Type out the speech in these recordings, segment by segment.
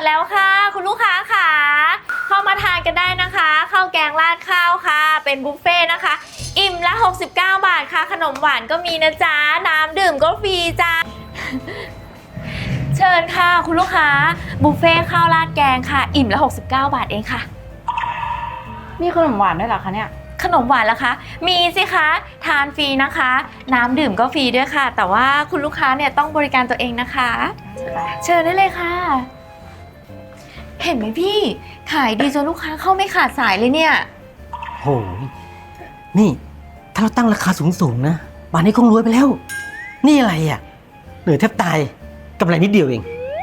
แล้วค่ะคุณลูกค้าค่ะเข้ามาทานกันได้นะคะข้าวแกงราดข้าวค่ะเป็นบุฟเฟ่ต์นะคะอิ่มละ69 บาทค่ะขนมหวานก็มีนะจ๊ะน้ำดื่มก็ฟรีจ้าเชิญค่ะคุณลูกค้าบุฟเฟ่ต์ข้าวราดแกงค่ะอิ่มละ69 บาทเองค่ะมีขนมหวานด้วยเหรอคะเนี่ยขนมหวานล่ะคะมีสิคะทานฟรีนะคะน้ำดื่มก็ฟรีด้วยค่ะแต่ว่าคุณลูกค้าเนี่ยต้องบริการตัวเองนะคะเชิญได้เลยค่ะเห็นไหมพี่ขายดีจนลูกค้าเข้าไม่ขาดสายเลยเนี่ยโหนี่ถ้าเราตั้งราคาสูงๆนะป่านนี้คงรวยไปแล้วนี่อะไรอ่ะเหนื่อยแทบตายกำไรนิดเดียวเอง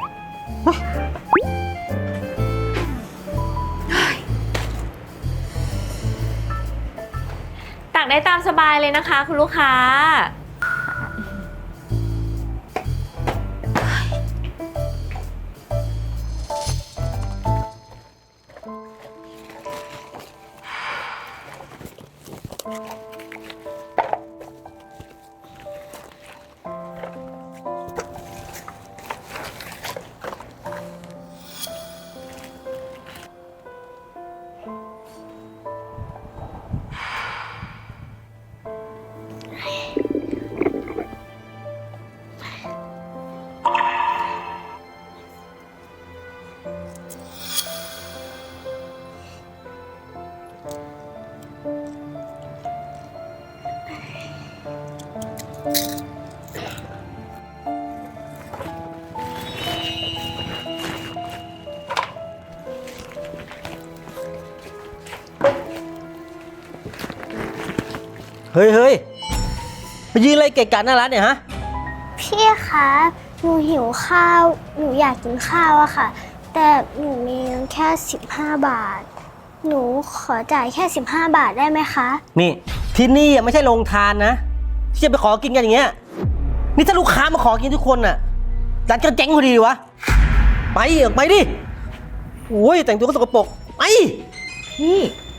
ตักได้ตามสบายเลยนะคะคุณลูกค้าเฮ้ยมายืนอะไรเกะกะหน้าร้านเนี่ยฮะพี่คะหนูหิวข้าวหนูอยากกินข้าวอะค่ะแต่หนูมีเงินแค่15 บาทหนูขอจ่ายแค่15 บาทได้ไหมคะนี่ที่นี่ไม่ใช่โรงทานนะที่จะไปขอกินกันอย่างเงี้ยนี่ถ้าลูกค้ามาขอกินทุกคนน่ะร้านก็เจ๊งพอดีวะไปออกไปดิโอ้ยแต่งตัวก็สกปรกไปพี่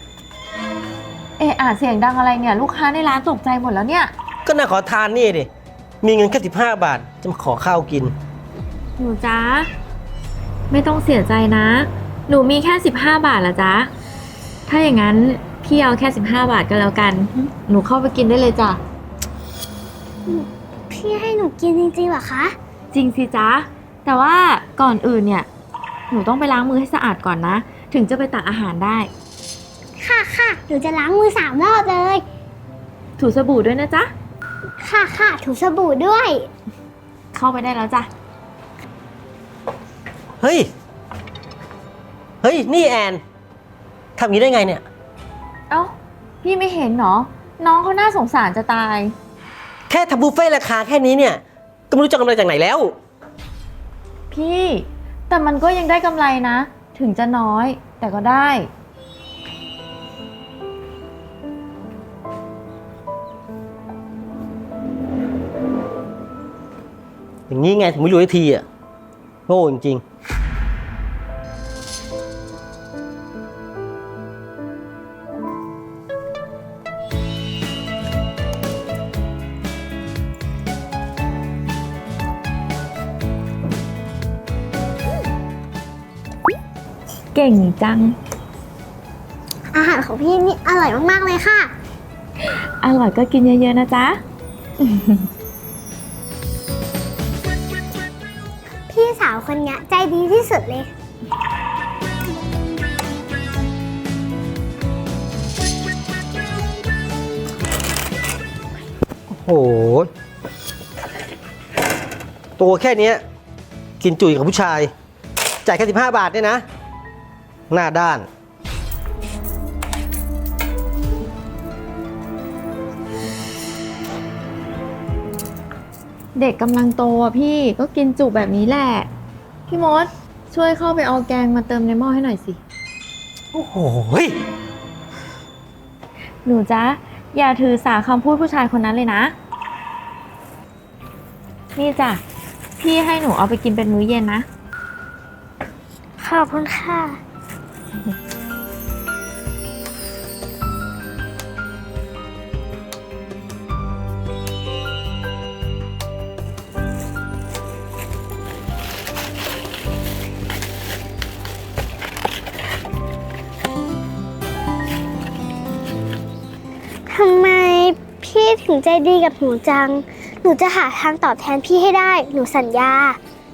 เสียงดังอะไรเนี่ยลูกค้าในร้านตกใจหมดแล้วเนี่ยก็น่าขอทานนี่ดิมีเงินแค่15 บาทจะมาขอข้าวกินหนูจ๊ะไม่ต้องเสียใจนะหนูมีแค่15 บาทละจ๊ะถ้าอย่างนั้นพี่เอาแค่15 บาทก็แล้วกันหนูเข้าไปกินได้เลยจ้ะพี่ให้หนูกินจริงๆเหรอคะจริงสิจ๊ะแต่ว่าก่อนอื่นเนี่ยหนูต้องไปล้างมือให้สะอาดก่อนนะถึงจะไปตักอาหารได้ค่ะหนูจะล้างมือ3 รอบเลยถูสบู่ด้วยนะจ๊ะค่ะถูสบู่ด้วยเข้าไปได้แล้วจ้ะเฮ้ยนี่แอนทำอย่างนี้ได้ไงเนี่ยเอ้าพี่ไม่เห็นเหรอน้องเขาน่าสงสารจะตายแค่ทำบุฟเฟ่ราคาแค่นี้เนี่ยก็ไม่รู้จะกำไรจากไหนแล้วพี่แต่มันก็ยังได้กำไรนะถึงจะน้อยแต่ก็ได้อย่างนี้ไงถึงไม่รวยทีอ่ะโง่จริงเก่งจังอาหารของพี่นี่อร่อยมากๆเลยค่ะอร่อยก็กินเยอะๆนะจ๊ะพี่สาวคนนี้ใจดีที่สุดเลยโอ้โหตัวแค่นี้กินจุยกับผู้ชายจ่ายแค่15 บาทเนี่ยนะหน้าด้านเด็กกำลังโตอ่ะพี่ก็กินจุแบบนี้แหละพี่มดช่วยเข้าไปเอาแกงมาเติมในหม้อให้หน่อยสิโอ้โหหนูจ๊ะอย่าถือสาคำพูดผู้ชายคนนั้นเลยนะนี่จ้ะพี่ให้หนูเอาไปกินเป็นมื้อเย็นนะขอบคุณค่ะอถึงใจดีกับหนูจัง หนูจะหาทางตอบแทนพี่ให้ได้ หนูสัญญา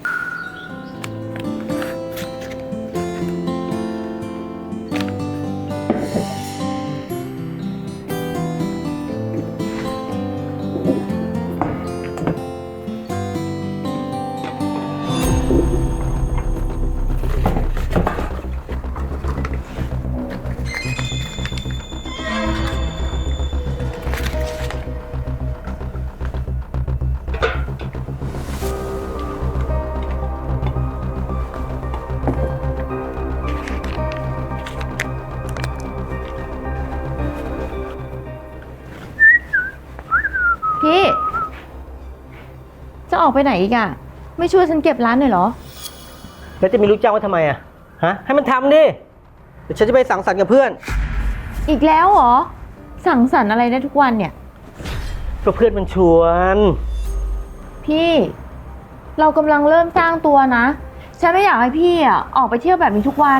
พี่ จะออกไปไหนอีกอะไม่ช่วยฉันเก็บร้านหน่อยเหรอแล้วจะมีลูกจ้างว่าทำไมอะฮะ ให้มันทำดิ เดี๋ยวฉันจะไปสังสรรค์กับเพื่อนอีกแล้วเหรอ สั่งสรรค์อะไรได้ทุกวันเนี่ยก็เพื่อนมันชวนพี่ เรากำลังเริ่มสร้างตัวนะ ฉันไม่อยากให้พี่อะออกไปเที่ยวแบบนี้ทุกวัน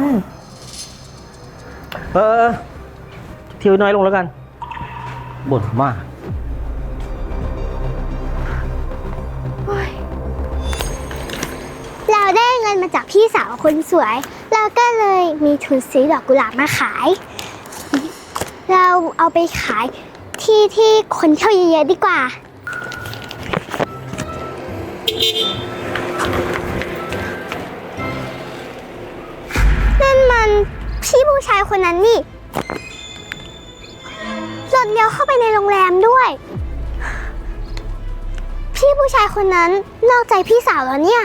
เที่ยวน้อยลงแล้วกัน บ่นมากเราได้เงินมาจากพี่สาวคนสวย เราก็เลยมีทุนซื้อดอกกุหลาบมาขาย เราเอาไปขายที่คนเที่ยวเยอะๆดีกว่า นั่นมันพี่ผู้ชายคนนั้นนี่หล่นเลี้ยวเข้าไปในโรงแรมด้วย พี่ผู้ชายคนนั้นนอกใจพี่สาวแล้วเนี่ย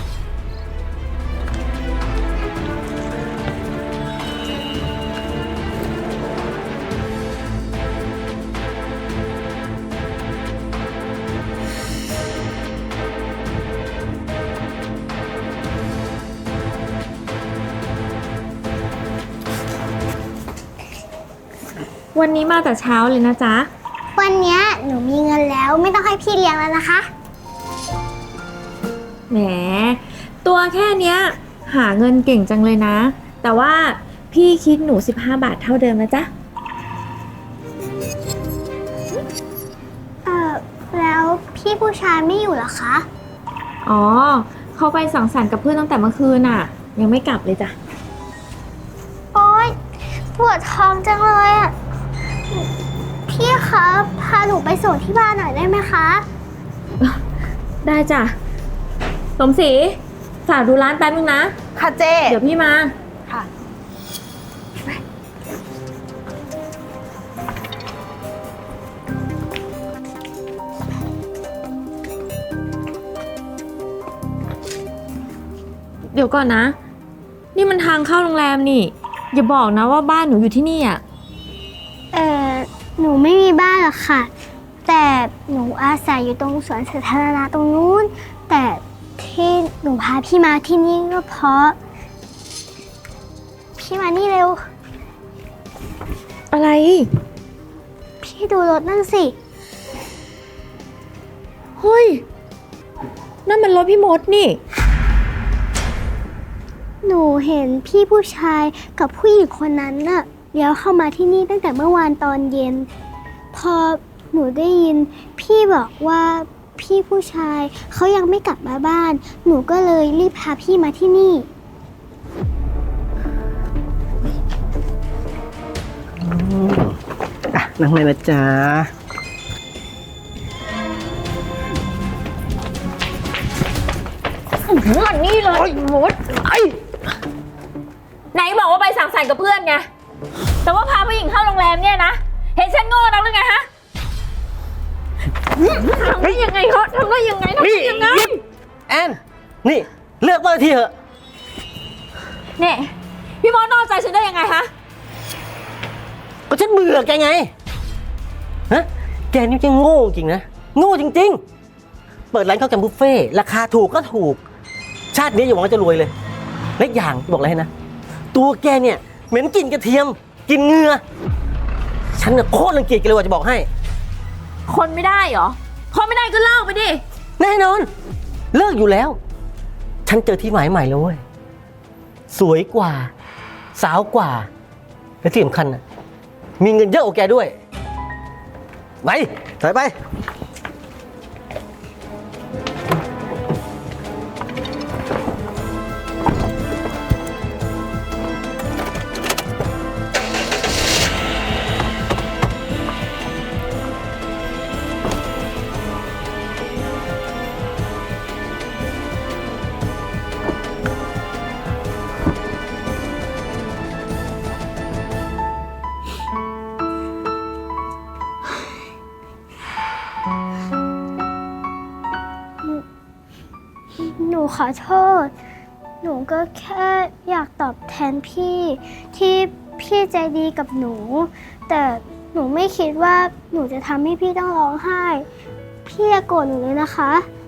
วันนี้มาแต่เช้าเลยนะจ๊ะวันเนี้ยหนูมีเงินแล้วไม่ต้องให้พี่เลี้ยงแล้วนะคะแหม ตัวแค่เนี้ยหาเงินเก่งจังเลยนะ แต่ว่าพี่คิดหนู15 บาทเท่าเดิมนะจ๊ะแล้วพี่ผู้ชายไม่อยู่เหรอคะอ๋อ เขาไปสังสรรค์กับเพื่อนตั้งแต่เมื่อคืนน่ะ ยังไม่กลับเลยจ้ะโอ๊ยปวดท้องจังเลยอ่ะ พี่คะพาหนูไปส่งที่บ้านหน่อยได้ไหมคะได้จ้ะ สมศรีฝากดูร้านแป๊บนึงนะค่ะเจ๊เดี๋ยวพี่มาค่ะเดี๋ยวก่อนนะ นี่มันทางเข้าโรงแรมนี่ อย่าบอกนะว่าบ้านหนูอยู่ที่นี่อ่ะหนูไม่มีบ้านหรอกค่ะ แต่หนูอาศัยอยู่ตรงสวนสาธารณะตรงนู้น แต่ที่หนูพาพี่มาที่นี่ก็เพราะ พี่มานี่เร็วอะไรพี่ดูรถนั่นสิเฮ้ย นั่นมันรถพี่มดนี่หนูเห็นพี่ผู้ชายกับผู้หญิงคนนั้นน่ะเลี้ยวเข้ามาที่นี่ตั้งแต่เมื่อวานตอนเย็น พอหนูได้ยินพี่บอกว่าพี่ผู้ชายเขายังไม่กลับมาบ้าน หนูก็เลยรีบพาพี่มาที่นี่นั่งเลยนะจ๊ะมันนี่เลยมดไหนบอกว่าไปสังสรรค์กับเพื่อนไง แต่ว่าพาผู้หญิงเข้าโรงแรมเนี่ยนะ เห็นฉันโง่นักหรือไงฮะทำได้ยังไงเขาทำได้ยังไงทำได้ยังไงแอน นี่เลือกเบอร์ทีเถอะเนี่ยพี่มดนอกใจฉันได้ยังไงฮะก็ฉันเบื่อแกไง ฮะ แกนี่จะโง่จริงนะ โง่จริงๆ เปิดร้านข้าวแกงบุฟเฟ่ต์ราคาถูกก็ถูก ชาตินี้อย่าหวังว่าจะรวยเลยและอีกอย่างบอกอะไรให้นะ ตัวแกเนี่ยเหม็นกลิ่นกระเทียมกลิ่นเหงื่อฉันน่ะโคตรรังเกียจแกเลยว่าจะบอกให้คนไม่ได้เหรอ คนไม่ได้ก็เล่าไปดิแน่นอน เลิกอยู่แล้ว ฉันเจอที่หมายใหม่แล้วเว้ย สวยกว่า สาวกว่า และที่สำคัญนะมีเงินเยอะกว่าแกด้วยไปถอยไปหนูขอโทษ หนูก็แค่อยากตอบแทนพี่ที่พี่ใจดีกับหนู แต่หนูไม่คิดว่าหนูจะทำให้พี่ต้องร้องไห้ พี่อย่าโกรธหนูเลยนะคะ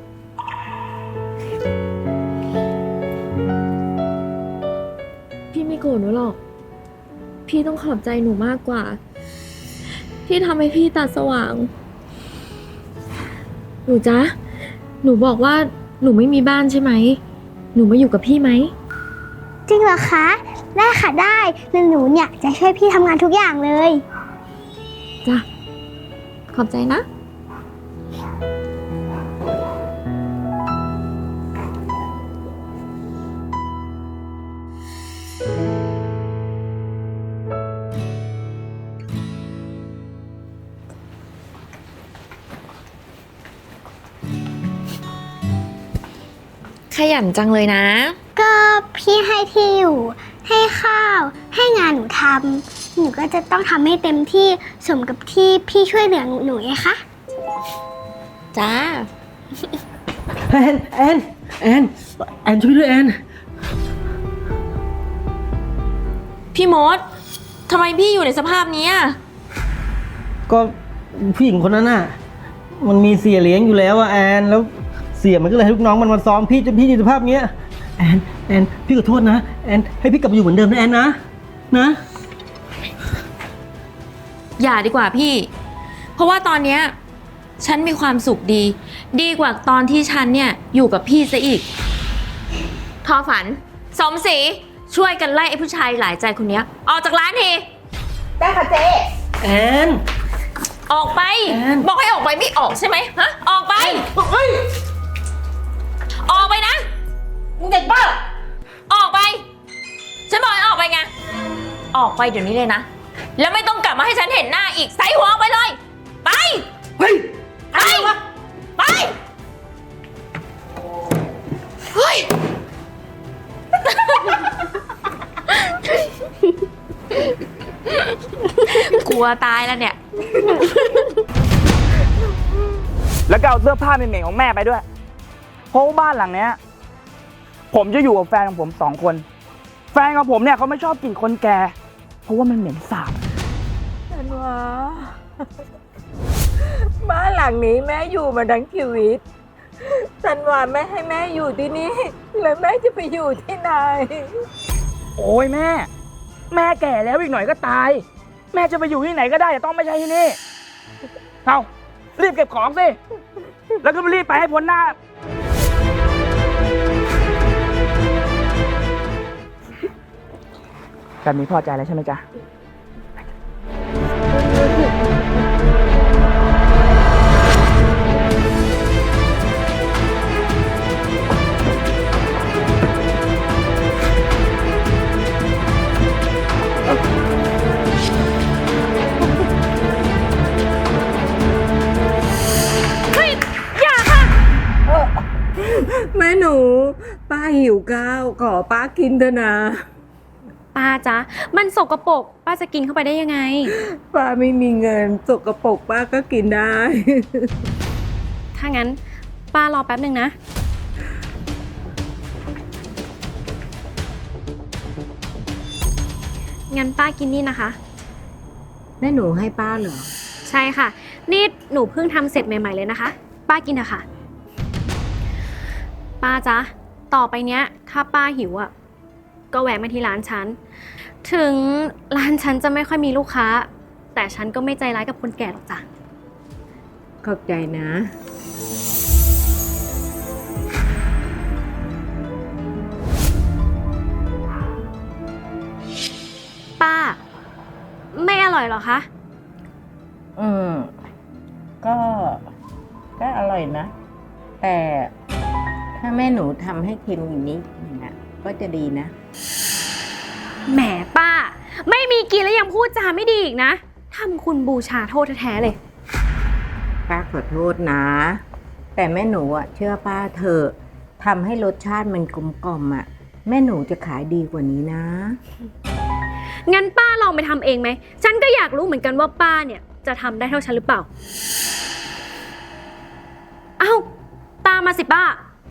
พี่ไม่โกรธหนูหรอก พี่ต้องขอบใจหนูมากกว่า พี่ทำให้พี่ตาสว่าง หนูจ๊ะ หนูบอกว่าหนูไม่มีบ้านใช่ไหม หนูมาอยู่กับพี่ไหมจริงเหรอคะ ได้ค่ะได้แล้วหนูเนี่ยจะช่วยพี่ทำงานทุกอย่างเลยจ้ะ ขอบใจนะขยันจังเลยนะก็พี่ให้ที่อยู่ ให้ข้าว ให้งานหนูทำ หนูก็จะต้องทำให้เต็มที่สมกับที่พี่ช่วยเหลือหนูไงคะจ้าแอนช่วยด้วยแอนพี่มดทำไมพี่อยู่ในสภาพนี้อะก็ผู้หญิงคนนั้นน่ะ มันมีเสียเลี้ยงอยู่แล้วอะแอนแล้วเสียมันก็เลยให้ลูกน้องมันมาซ้อมพี่จนพี่อยู่สภาพเนี้ยแอนพี่ขอโทษนะแอนให้พี่กลับมาอยู่เหมือนเดิมนะแอนนะอย่าดีกว่าพี่ เพราะว่าตอนเนี้ยฉันมีความสุขดี ดีกว่าตอนที่ฉันเนี่ยอยู่กับพี่ซะอีก ทอฝัน สมศรีช่วยกันไล่ไอ้ผู้ชายหลายใจคนเนี้ยออกจากร้านทีได้ค่ะเจ๊แอนออกไปแอนบอกให้ออกไปไม่ออกใช่ไหมฮะ ออกไปเฮ้ยออกไปนะมึงเด็กบ้าออกไป ฉันบอกให้ออกไปไง ออกไปเดี๋ยวนี้เลยนะ แล้วไม่ต้องกลับมาให้ฉันเห็นหน้าอีก ใส่หัวออกไปเลย ไปเฮ้ยไป ไป เฮ้ย กลัวตายแล้วเนี่ยแล้วก็เอาเสื้อผ้าเหม็นๆของแม่ไปด้วย เพราะว่าบ้านหลังเนี้ย ผมจะอยู่กับแฟนของผม2 คน แฟนของผมเนี่ยเขาไม่ชอบกลิ่นคนแก่ เพราะว่ามันเหม็นสาบธันวาบ้านหลังนี้แม่อยู่มาทั้งชีวิตธันวาไม่ให้แม่อยู่ที่นี่แล้วแม่จะไปอยู่ที่ไหนโอ้ยแม่ แม่แก่แล้วอีกหน่อยก็ตาย แม่จะไปอยู่ที่ไหนก็ได้แต่ต้องไม่ใช่ที่นี่ เอารีบเก็บของสิ แล้วก็รีบไปให้พ้นหน้า แบบนี้พอใจแล้วใช่ไหมจ๊ะแม่หนู ป้าหิวข้าวขอป้ากินเถอะนะป้าจ๊ะ มันสกปรกป้าจะกินเข้าไปได้ยังไงป้าไม่มีเงินสกปรกป้าก็กินได้ถ้างั้นป้ารอแป๊บหนึ่งนะ งั้นป้ากินนี่นะคะแม่หนูให้ป้าเหรอใช่ค่ะ นี่หนูเพิ่งทำเสร็จใหม่ๆเลยนะคะ ป้ากินเถอะค่ะ ป้าจ๊ะ ต่อไปเนี้ย ถ้าป้าหิวอ่ะ ก็แวะมาที่ร้านฉัน ถึงร้านฉันจะไม่ค่อยมีลูกค้า แต่ฉันก็ไม่ใจร้ายกับคนแก่หรอกจ้ะขอบใจนะป้า ไม่อร่อยเหรอคะอืมก็อร่อยนะ แต่ถ้าแม่หนูทำให้เค็มอย่างนี้นะก็จะดีนะแหมป้า ไม่มีกินแล้วยังพูดจาไม่ดีอีกนะทำคุณบูชาโทษแท้ๆเลยป้าขอโทษนะ แต่แม่หนูเชื่อป้าเถอะทำให้รสชาติมันกลมกล่อมแม่หนูจะขายดีกว่านี้นะงั้นป้าลองไปทำเองไหม ฉันก็อยากรู้เหมือนกันว่าป้าเนี่ยจะทำได้เท่าฉันหรือเปล่า เอ้า ตามมาสิป้า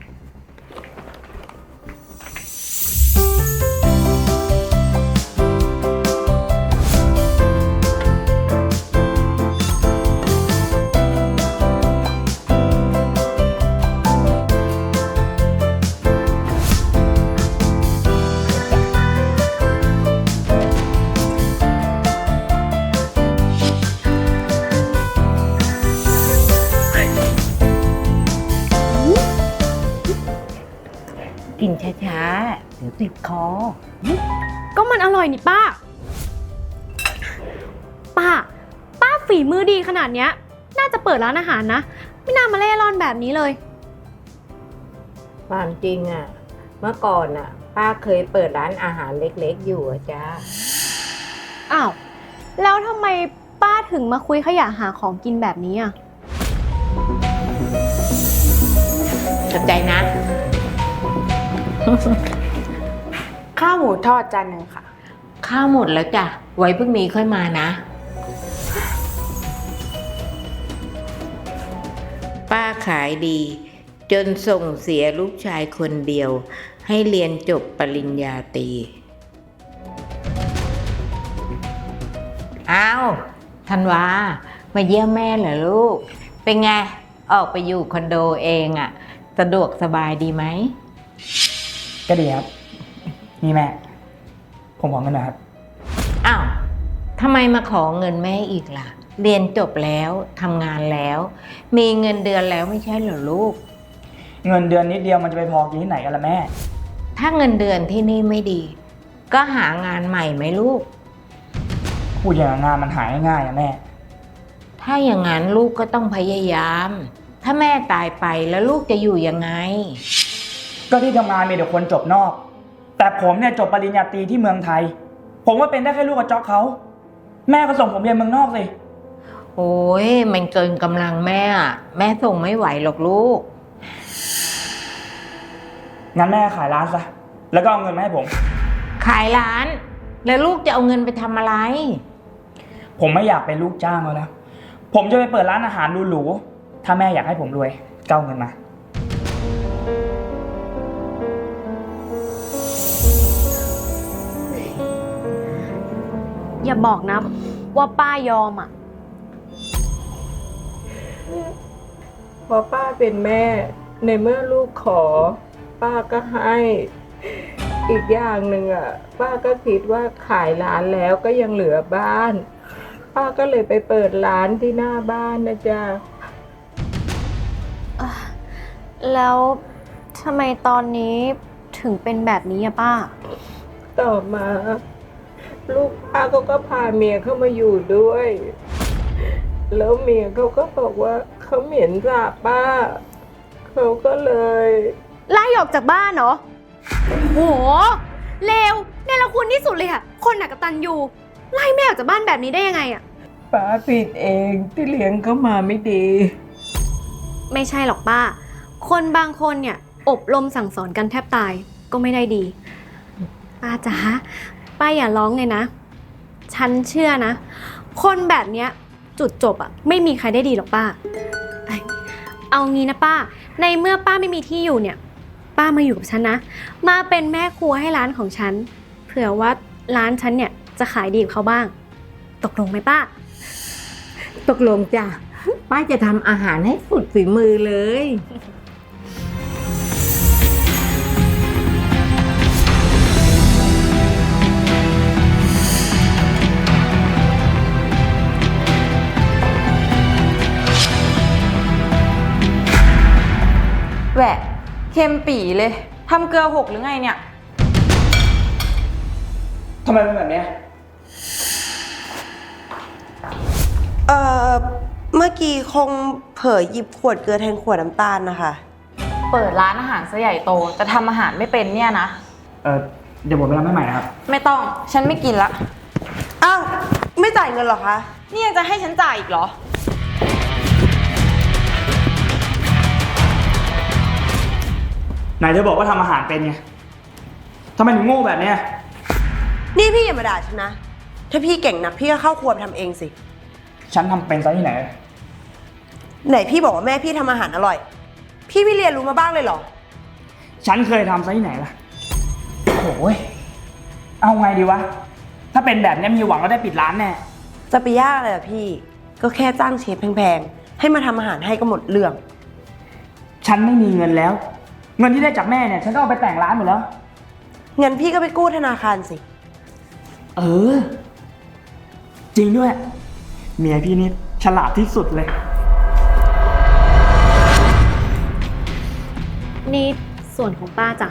กินช้าๆ เดี๋ยวติดคอก็มันอร่อยนี่ป้า ป้าฝีมือดีขนาดเนี้ย น่าจะเปิดร้านอาหารนะ ไม่น่ามาเล่ร่อนแบบนี้เลยความจริงเมื่อก่อนป้าเคยเปิดร้านอาหารเล็กๆอยู่จ้าอ้าว แล้วทำไมป้าถึงมาคุยขยะหาของกินแบบนี้อ่ะสนใจนะข้าวหมูทอดจานหนึ่งค่ะข้าวหมดแล้วจ้ะ ไว้พรุ่งนี้ค่อยมานะ ป้าขายดี จนส่งเสียลูกชายคนเดียว ให้เรียนจบปริญญาตรีอ้าวธันวา มาเยี่ยมแม่เหรอลูก เป็นไง ออกไปอยู่คอนโดเองสะดวกสบายดีไหมก็ดีครับ นี่แม่ ผมขอเงินหนะครับอ้าวทำไมมาขอเงินแม่อีกล่ะ เรียนจบแล้วทำงานแล้ว มีเงินเดือนแล้วไม่ใช่เหรอลูกเงินเดือนนิดเดียวมันจะไปพอกินที่ไหนกันล่ะแม่ถ้าเงินเดือนที่นี่ไม่ดี ก็หางานใหม่ไหมลูกพูดอย่างงานมันหายง่ายๆแม่ถ้าอย่างนั้นลูกก็ต้องพยายาม ถ้าแม่ตายไปแล้วลูกจะอยู่ยังไงก็ที่ทำงานมีแต่คนจบนอก แต่ผมเนี่ยจบปริญญาตรีที่เมืองไทย ผมว่าเป็นได้แค่ลูกกระจอกเขา แม่ก็ส่งผมเรียนเมืองนอกสิโอ้ยมันเกินกำลังแม่แม่ส่งไม่ไหวหรอกลูกงั้นแม่ขายร้านซะ แล้วก็เอาเงินมาให้ผมขายร้าน แล้วลูกจะเอาเงินไปทำอะไรผมไม่อยากเป็นลูกจ้างแล้วนะ ผมจะไปเปิดร้านอาหารหรูๆ ถ้าแม่อยากให้ผมรวยก็เอาเงินมาอย่าบอกนะว่าป้ายอมอ่ะพอป้าเป็นแม่ ในเมื่อลูกขอ ป้าก็ให้ อีกอย่างหนึ่งป้าก็คิดว่าขายร้านแล้วก็ยังเหลือบ้าน ป้าก็เลยไปเปิดร้านที่หน้าบ้านนะจ๊ะแล้วทำไมตอนนี้ถึงเป็นแบบนี้อะป้าต่อมา ลูกป้าก็พาเมียเข้ามาอยู่ด้วย แล้วเมียเขาก็บอกว่าเขาเหม็นสาบป้า เขาก็เลยไล่ออกจากบ้านเหรอ โห เลวเนรคุณที่สุดเลยอะคนหนักกตัญญูไล่แม่ออกจากบ้านแบบนี้ได้ยังไงอะป้าผิดเองที่เลี้ยงเขามาไม่ดีไม่ใช่หรอกป้า คนบางคนเนี่ยอบรมสั่งสอนกันแทบตายก็ไม่ได้ดี ป้าจ๋าป้าอย่าร้องเลยนะ ฉันเชื่อนะ คนแบบเนี้ยจุดจบอะไม่มีใครได้ดีหรอกป้า เอางี้นะป้า ในเมื่อป้าไม่มีที่อยู่เนี่ย ป้ามาอยู่กับฉันนะ มาเป็นแม่ครัวให้ร้านของฉัน เผื่อว่าร้านฉันเนี่ยจะขายดีกว่าเขาบ้าง ตกลงไหมป้าตกลงจ้ะ ป้าจะทำอาหารให้สุดฝีมือเลยแหวะเค็มปี่เลยทำเกลือหกหรือไงเนี่ยทำไมเป็นแบบเนี้ยเอ่อ มมื่อกี้คงเผลอหยิบขวดเกลือแทนขวดน้ำตาลนะคะเปิดร้านอาหารซะใหญ่โตแต่ทำอาหารไม่เป็นเนี่ยนะเดี๋ยวผมไปทำให้ใหม่นะครับไม่ต้อง ฉันไม่กินละอ้าว ไม่จ่ายเงินเหรอคะนี่ยังจะให้ฉันจ่ายอีกเหรอไหนเธอบอกว่าทำอาหารเป็นไงทำไมถึงโง่แบบเนี้ยนี่พี่อย่ามาด่าฉันนะ ถ้าพี่เก่งนักพี่ก็เข้าครัวไปทำเองสิฉันทำเป็นซะที่ไหนไหนพี่บอกว่าแม่พี่ทำอาหารอร่อย พี่ไม่เรียนรู้มาบ้างเลยเหรอฉันเคยทำซะที่ไหนล่ะโอ้ยเอาไงดีวะ ถ้าเป็นแบบนี้มีหวังว่าได้ปิดร้านแน่จะไปยากอะไรล่ะพี่ ก็แค่จ้างเชฟแพงๆ ให้มาทำอาหารให้ก็หมดเรื่องฉันไม่มีเงินแล้ว เงินที่ได้จากแม่เนี่ย ฉันก็เอาไปแต่งร้านหมดแล้วงั้นพี่ก็ไปกู้ธนาคารสิเออ จริงด้วย เมียพี่นี่ฉลาดที่สุดเลยนี่ส่วนของป้าจ้ะ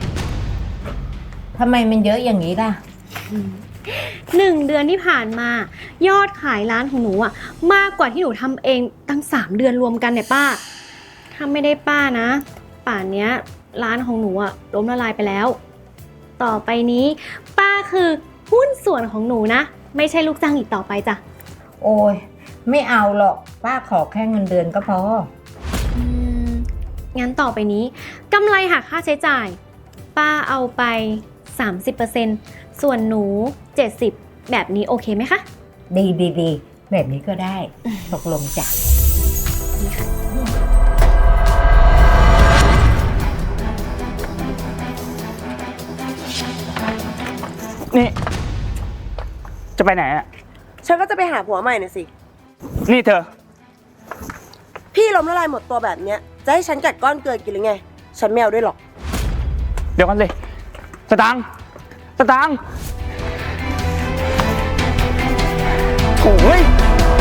ทำไมมันเยอะอย่างนี้ล่ะ 1 เดือนที่ผ่านมา ยอดขายร้านของหนูอะมากกว่าที่หนูทำเองตั้ง3 เดือนรวมกันเนี่ยป้า ถ้าไม่ได้ป้านะ ป่านเนี้ยร้านของหนูอะล้มละลายไปแล้ว ต่อไปนี้ ป้าคือหุ้นส่วนของหนูนะ ไม่ใช่ลูกจ้างอีกต่อไปจ้ะโอ้ยไม่เอาหรอกป้าขอแค่เงินเดือนก็พองั้นต่อไปนี้กำไรหักค่าใช้จ่าย ป้าเอาไป 30%ส่วนหนู 70%แบบนี้โอเคไหมคะดีแบบนี้ก็ได้ ตกลงจ้ะนี่ จะไปไหนอ่ะฉันก็จะไปหาผัวใหม่น่ะสินี่เธอพี่ล้มละลายหมดตัวแบบเนี้ย จะให้ฉันกัดก้อนเกลือกินหรือไง ฉันไม่เอาด้วยหรอกเดี๋ยวกันสิสตางค์โอ้ย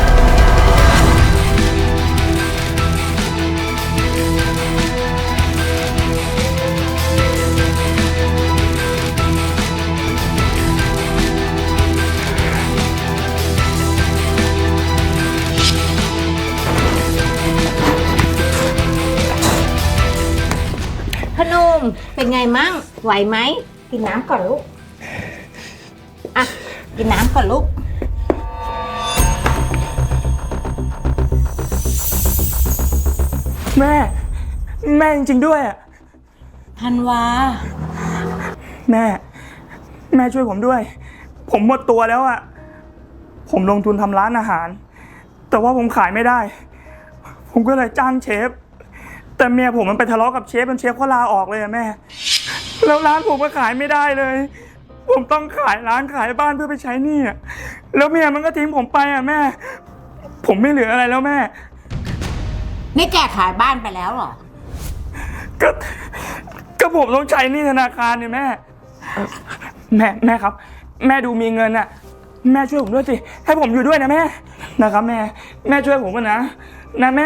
พนมเป็นไงมั่งไหวไหมกินน้ำก่อนลูกอ่ะกินน้ำก่อนลูกแม่จริงๆด้วยอ่ะธันวาแม่ช่วยผมด้วย ผมหมดตัวแล้วอ่ะ ผมลงทุนทำร้านอาหาร แต่ว่าผมขายไม่ได้ ผมก็เลยจ้างเชฟ แต่เมียผมมันไปทะเลาะกับเชฟจนเชฟเขาลาออกเลยอะแม่ แล้วร้านผมก็ขายไม่ได้เลย ผมต้องขายร้านขายบ้านเพื่อไปใช้หนี้อะแล้วเมียมันก็ทิ้งผมไปอ่ะแม่ ผมไม่เหลืออะไรแล้วแม่นี่แกขายบ้านไปแล้วเหรอก็ผมต้องใช้หนี้ธนาคารเนี่ยแม่แม่ครับ แม่ดูมีเงินอ่ะ แม่ช่วยผมด้วยสิให้ผมอยู่ด้วยนะแม่นะครับแม่ช่วยผมก่อนนะแม่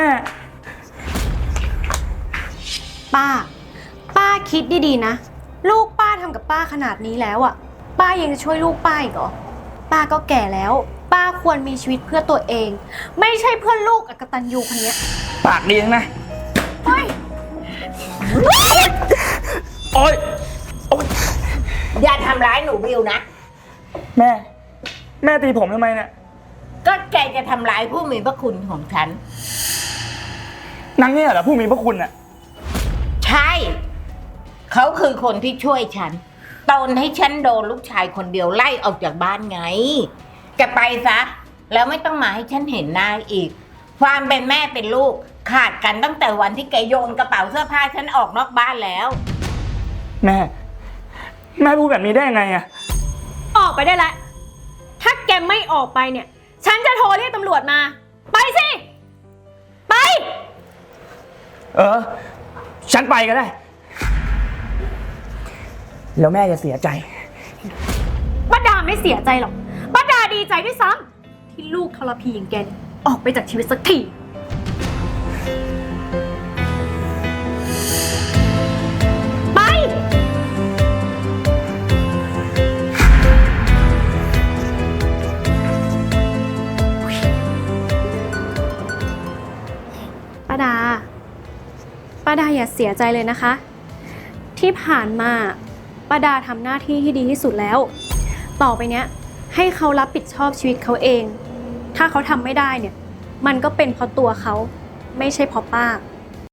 ป้าคิดดีๆนะ ลูกป้าทำกับป้าขนาดนี้แล้วอ่ะ ป้ายังจะช่วยลูกป้าอีกเหรอ ป้าก็แก่แล้ว ป้าควรมีชีวิตเพื่อตัวเอง ไม่ใช่เพื่อลูกอกตัญญูคนเนี้ยปากดีนะเฮ้ยโอ๊ยอย่าทำร้ายหนูบิวนะแม่ตีผมทำไมเนี่ยก็แกจะทำร้ายผู้มีพระคุณของฉันนางเนี่ยเหรอผู้มีพระคุณอ่ะใช่ เขาคือคนที่ช่วยฉันตอนให้ฉันโดนลูกชายคนเดียวไล่ออกจากบ้านไง แกไปซะ แล้วไม่ต้องมาให้ฉันเห็นหน้าอีก ความเป็นแม่เป็นลูกขาดกันตั้งแต่วันที่แกโยนกระเป๋าเสื้อผ้าฉันออกนอกบ้านแล้วแม่พูดแบบนี้ได้ยังไงอ่ะออกไปได้แล้ว ถ้าแกไม่ออกไปเนี่ย ฉันจะโทรเรียกตำรวจมา ไปสิ ไปฉันไปก็ได้ แล้วแม่จะเสียใจป้าดาไม่เสียใจหรอก ป้าดาดีใจด้วยซ้ำที่ลูกทรพีอย่างแกเนี่ยออกไปจากชีวิตสักทีไปป้าดาอย่าเสียใจเลยนะคะ ที่ผ่านมาป้าดาทำหน้าที่ที่ดีที่สุดแล้ว ต่อไปเนี้ยให้เขารับผิดชอบชีวิตเขาเอง ถ้าเขาทำไม่ได้เนี่ยมันก็เป็นเพราะตัวเขาไม่ใช่เพราะป้า